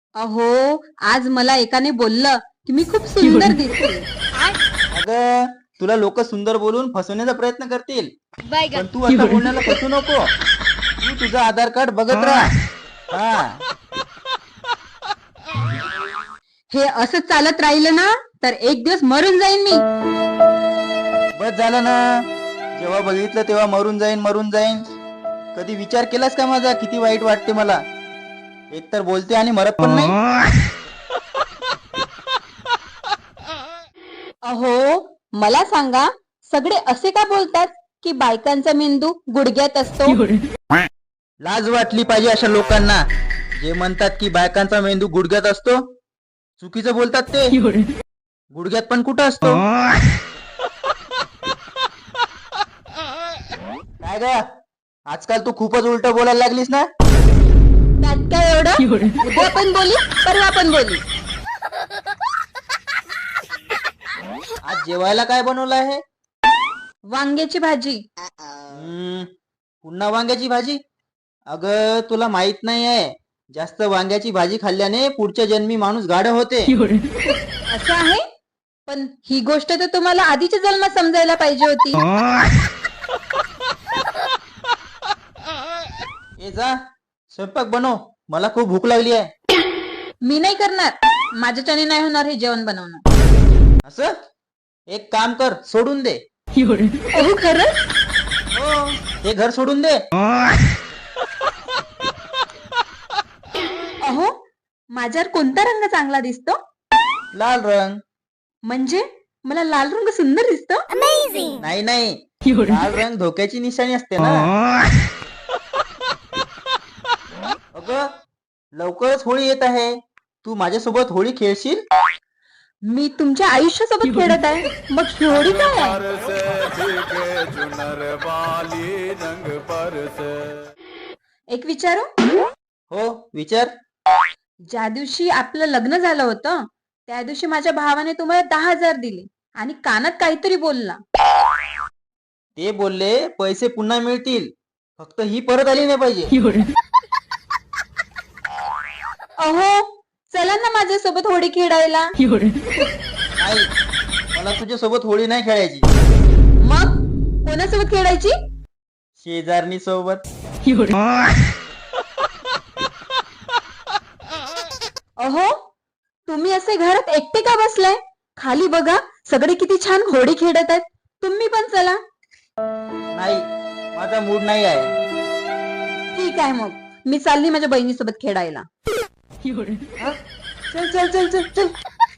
अहो, आज मला एकाने बोललं की मी खूप सुंदर दिसते. अगं तुला लोक सुंदर बोलून फसवण्याचा प्रयत्न करतील, पण तू असं बोलण्याला फसू नको. तू तुझं आधार कार्ड बघत राहा. हा, हे असं चालत राहिलं ना तर एक दिवस मरून जाईन मी. बस झालं ना. जेव्हा बघितलं तेव्हा मरून जाईन मरून जाईन. कधी विचार केलास का माझा किती वाईट वाटते मला? एकतर बोलते आणि मरत पण नाही. अहो, मला सांगा, सगळे असे का बोलतात की बायकांचा मेंदू गुडघ्यात असतो? लाज वाटली पाहिजे अशा लोकांना जे म्हणतात की बायकांचा मेंदू गुडघ्यात असतो. चुकीचं बोलतात ते. गुडघ्यात पण कुठं असतो? काय ग, आजकाल तू खूपच उलट बोलायला लागलीस ना. त्यात काय एवढं? उद्या पण बोली, परवा पण बोली. आज जेवायला काय बनवलं आहे? वांग्याची भाजी. पुन्हा वांग्याची भाजी? अगं तुला माहित नाही आहे, जास्त वांग्याची भाजी खाल्ल्याने पुढच्या जन्मी माणूस गाढ होते. असं आहे? पण ही गोष्ट तर तुम्हाला आधीच्या जन्मात समजायला पाहिजे होती. ए जा, स्वयंपाक बनव, मला खूप भूक लागली आहे. मी नाही करणार. माझ्याच्याने नाही होणार हे जेवण बनवणं. असं एक काम कर, सोडून दे. अहो, खरंच? हो, हे घर सोडून दे. अहो, माझ्यावर कोणता रंग चांगला दिसतो? लाल रंग. म्हणजे मला लाल रंग सुंदर दिसतो? नाही नाही, लाल रंग धोक्याची निशाणी असते ना. अगं लवकरच होळी येत आहे, तू माझ्यासोबत होळी खेळशील? मी तुमच्या आयुष्यासोबत खेळत आहे, मग होळी काय आहे? एक विचारू? हो विचार. ज्या दिवशी आपलं लग्न झालं होतं त्या दिवशी माझ्या भावाने तुम्हाला 10,000 दिले आणि कानात काहीतरी बोलला. ते बोलले पैसे पुन्हा मिळतील, फक्त ही परत आली नाही पाहिजे. अहो, चला ना माझ्यासोबत होळी खेळायला. नाही, मला तुझ्यासोबत होळी नाही खेळायची. मग कोणासोबत खेळायची? शेजारणी सोबत. अहो, तुम्ही असे घरात एकटे का बसलाय? खाली बघा, सगळे किती छान होळी खेळत आहेत. तुम्ही पण चला. नाही, माझा मूड नाही आहे. ठीक आहे, मग मी चालली माझ्या बहिणीसोबत खेळायला. हा? चल चल चल चल चल.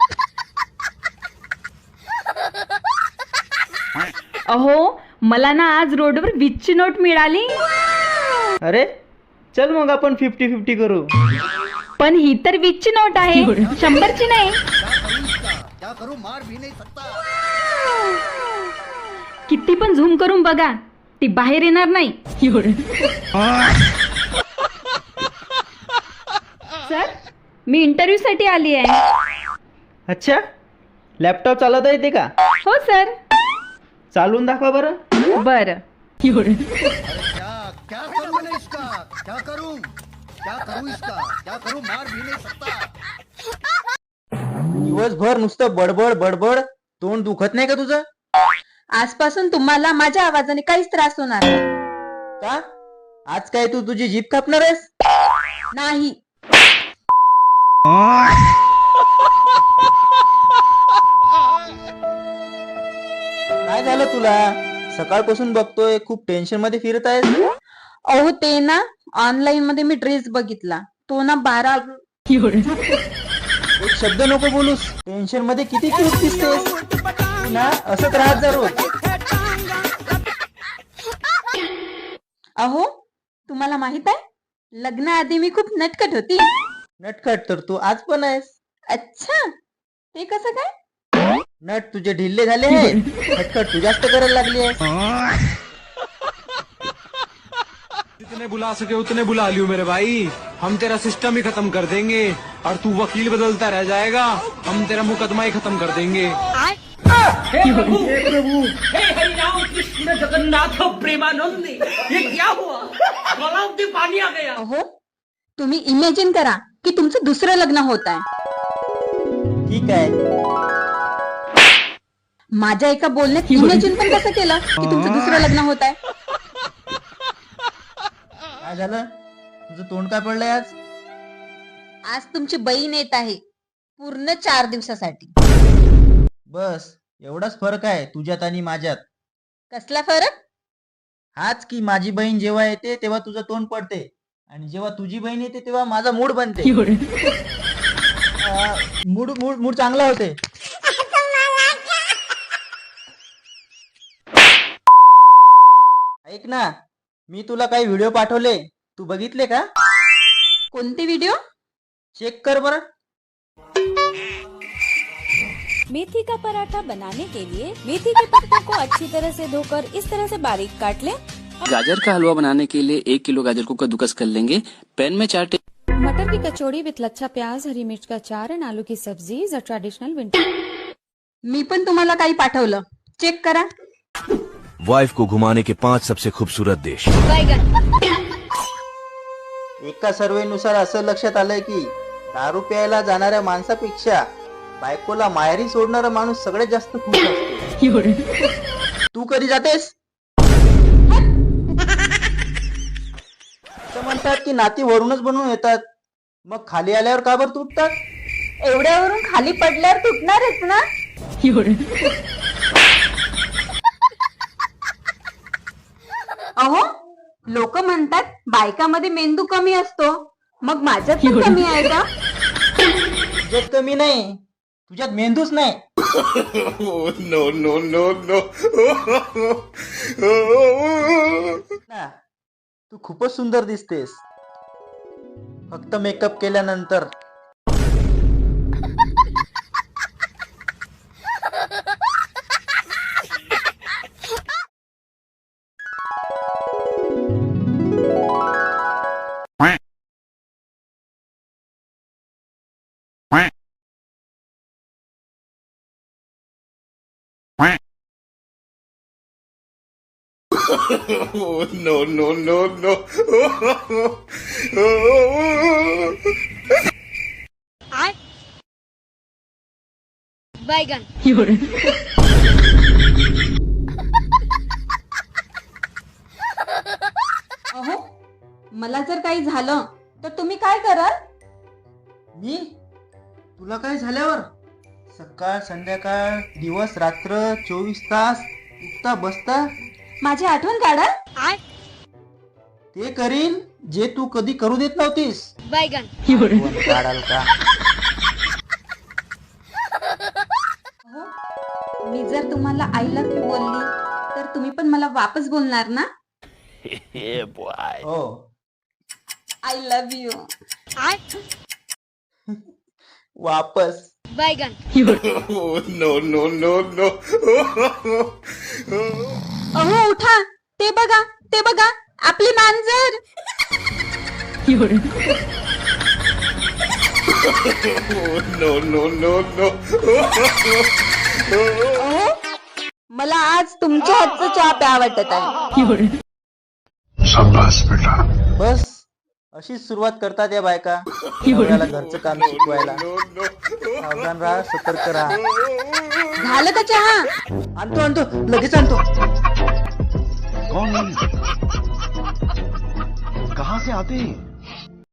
अहो, मला ना आज रोडवर 20ची नोट मिळाली. अरे चल मग आपण 50-50 करू. पण ही तर 20ची नोट आहे, 100ची नाही. किती पण झूम करून बघा, ती बाहेर येणार नाही. सर, मी इंटरव्ह्यू साठी आली आहे. अच्छा, लॅपटॉप चालवता येते का? हो सर. चालून दाखवा बरं. बर. क्या करूं मैंने इसका? क्या करूं इसका? क्या करूं? मार भी नहीं सकता. दिवसभर नुसतं बडबड बडबड, तोंड दुखत नाही का तुझं? आजपासून तुम्हाला माझ्या आवाजाने काहीच त्रास होणार नाही. का? आज काय तू तुझी जीभ कापणार आहेस? नाही. काय झालं तुला? सकाळपासून बघतोय खूप टेन्शन मध्ये फिरत आहेस. अहो, ते ना ऑनलाईन मध्ये मी ड्रेस बघितला, तो ना 12. एक शब्द नको बोलूस. टेन्शन मध्ये किती क्यूट दिसतेस तू ना. असंच राहत जा रोज. अहो, तुम्हाला माहित आहे, लग्नाआधी मी खूप नटखट होती. नटखट तर तू आज पण आहेस. अच्छा, ते कसं काय? नट तुझे ढिल्ले झाले आहे, खटखट तू जास्त करायला लागली आहे. जितने बुला सके उतने बुला लियो मेरे भाई. हम तेरा सिस्टम ही खत्म कर देंगे और तू वकील बदलता रह जाएगा. हम तेरा मुकदमा ही खत्म कर देंगे. हे प्रभु, हे हरिराम कृष्ण जगन्नाथ प्रेमानंद, ये क्या हुआ? गला में पानी आ गया. अहो, तुम्ही इमॅजिन करा, की तुमचं दुसरं लग्न होत आहे? ठीक आहे. माझ्या एका बोलण्यात इमॅजिन पण कसं केलं की तुमचं दुसरं लग्न होत आहे? काय झालं? तुझं तोंड काय पडलंय आज? आज तुमची बहीण येत आहे पूर्ण 4 दिवसासाठी. बस एवढाच फरक आहे तुझ्यात आणि माझ्यात. कसला फरक? हाच की माझी बहीण जेव्हा येते तेव्हा तुझं तोंड पडते आणि जेव्हा तुझी बहीण येते तेव्हा माझा मूड बनते. मूड मूड मूड चांगला होते. ऐक ना, मी तुला काही व्हिडिओ पाठवले, तू बघितले का? कोणते व्हिडिओ? चेक कर बरं. मेथी का पराठा बनाने के लिए मेथी के पत्तों को अच्छी तरह से धोकर इस तरह से बारीक काट लें। गाजर का हलवा बनाने के लिए 1 किलो गाजर को कद्दूकस कर लेंगे। पैन में 4 मटर की कचौड़ी विथ लच्छा प्याज, हरी मिर्च का अचार एंड आलू की sabzi is a traditional winter. मी पण तुम्हाला काही पाठवलं, चेक करा. वाइफ को घुमाने के 5 सबसे खूबसूरत देश। एका सर्वेनुसार असं लक्षात आलंय की दारू प्यायला जाणाऱ्या माणसापेक्षा बायकोला माहेरी सोडणारा माणूस सगळ्यात जास्त खुश असतो. तू कधी जातेस? असं म्हणतात की नाती वरूनच बनवून येतात, मग खाली आल्यावर का बरं तुटतात? एवढ्यावरून खाली पडल्यावर तुटणारच ना. अहो, लोक म्हणतात बायकामध्ये मेंदू कमी असतो, मग माझ्यात पण कमी आहे का? तुझ्यात कमी नाही, तुझ्यात मेंदूच नाही. ना, तू खूपच सुंदर दिसतेस फक्त मेकअप केल्यानंतर. अहो, मला जर काही झालं तर तुम्ही काय कराल? मी तुला काय झाल्यावर सकाळ संध्याकाळ दिवस रात्र 24 तास उठता बसता माझी आठवण काढाल? ते करील जे तू कधी करू देत नव्हतीस. आठवण काढाल का? अहो, मी जर तुम्हाला आय लव्ह यू बोलली तर तुम्ही पण मला वापस बोलणार ना? हो. I love you. वापस. अहो उठा, ते बघा आपली मांजर. अहो, मला आज तुमच्या हातचा चहा प्या वाटत आहे. बस अशीच सुरुवात करतात या बायका नवऱ्याला घरचं काम शिकवायला. सावधान राहा, सतर्क राहा. झालं का चहा? आणतो लगेच आणतो. कौन? कहाँ से आते हैं?